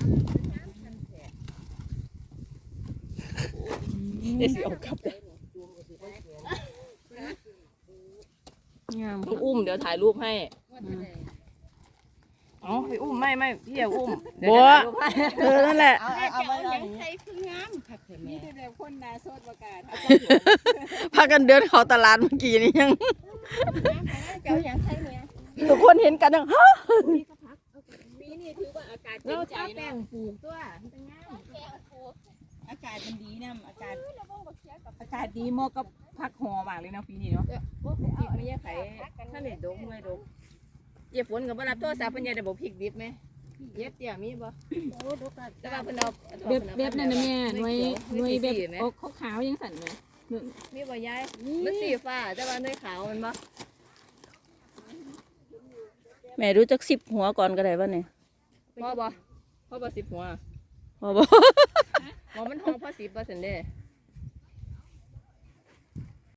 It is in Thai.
เดี๋ยวสิเอากลับเลยงามต้องอุ้มเดี๋ยวถ่ายรูปให้อ๋อไปอุ้มไม่พี่อย่าอุ้มบัวเธอนั่นแหละเอาไว้ยังใส่คืองามค่ะเถอะแม่นี่แบบคนนาโซดประกาศพากันเดินเข้าตลาดเมื่อกี้นี่ยังเจ้ายังใส่เนี่ยทุกคนเห็นกันยังฮะปีนี้ถือว่าอากาศเราใจถ้าแป้เนาะงปลูกตัวมันงามอากาศมันดีนะอากาศดีเหมาะกับพักหอมากเลยเนาะปีนี้เนาะพวกพริกไม่แย่ไข่ถ้าเด็ดดงไม่ดงเจี๊ยฝนกับว่ารับโทรศัพท์เพิ่นอยากได้บอกพริกดิบไหมเย็บเตี้ยมีบ่แต่ว่าเพิ่นเอาแบบนั่นนะแม่หน่วยแบบอกขาวยังสั่นเลยมีบ่ยายมันสีฟ้าแต่ว่าหน่วยขาวมันบ่แม่รู้จัก10 หัวก่อนก็ได้ป่ะเนี่ยพ่อบ่10 หัวพอบอกหมอมันห้องพ่อ10%เด้